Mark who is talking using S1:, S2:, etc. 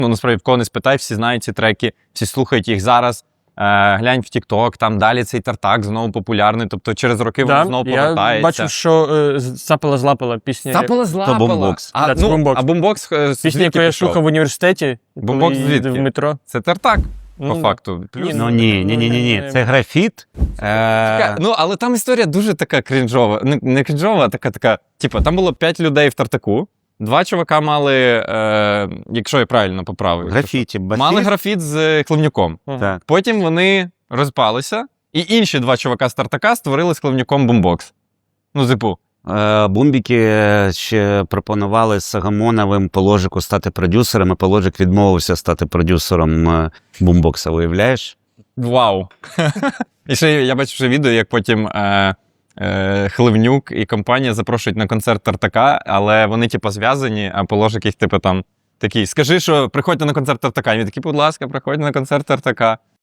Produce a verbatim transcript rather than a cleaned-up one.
S1: Ну, насправді, в кого не спитай, всі знають ці треки, всі слухають їх зараз. Е, глянь в TikTok, там далі цей Тартак знову популярний, тобто через роки
S2: Да,
S1: воно знову повертається.
S2: Я бачив, що е, «Запала-злапала» пісня.
S1: Запала злапала.
S3: То бумбокс.
S1: А,
S2: Да, це
S1: ну,
S2: бумбокс.
S1: а бумбокс е,
S2: Пісня,
S1: звідки
S2: яку я
S1: пішов?
S2: слухав в університеті,
S1: Бумбокс
S2: коли
S1: звідки?
S2: їздив в метро.
S1: Це Тартак, по
S2: Ну,
S1: факту. Плюс.
S3: Ну ні, ні, ні, ні, ні. Це графіт.
S1: Така,
S3: Е,
S1: ну, але там історія дуже така крінжова. Не, не крінжова, а така, така. Типу, там було п'ять людей в Тартаку. Два чувака мали, е, якщо я правильно поправив,
S3: графіті, басіст.
S1: мали графіт з Хливнюком.
S3: Так.
S1: Потім вони розпалися, і інші два чувака з Тартака створили з Хливнюком бумбокс. Ну, типу.
S3: Е, Бумбіки ще пропонували з Сагамоновим Положику стати продюсером, і Положик відмовився стати продюсером е, бумбокса, уявляєш?
S1: Вау! І ще я бачив вже відео, як потім е, е, Хливнюк і компанія запрошують на концерт Тартака, але вони, типу, зв'язані, а Положик їх, типу, там такий, скажи, що приходьте на концерт Тартака. І він такий, будь ласка, приходьте на концерт Тартака.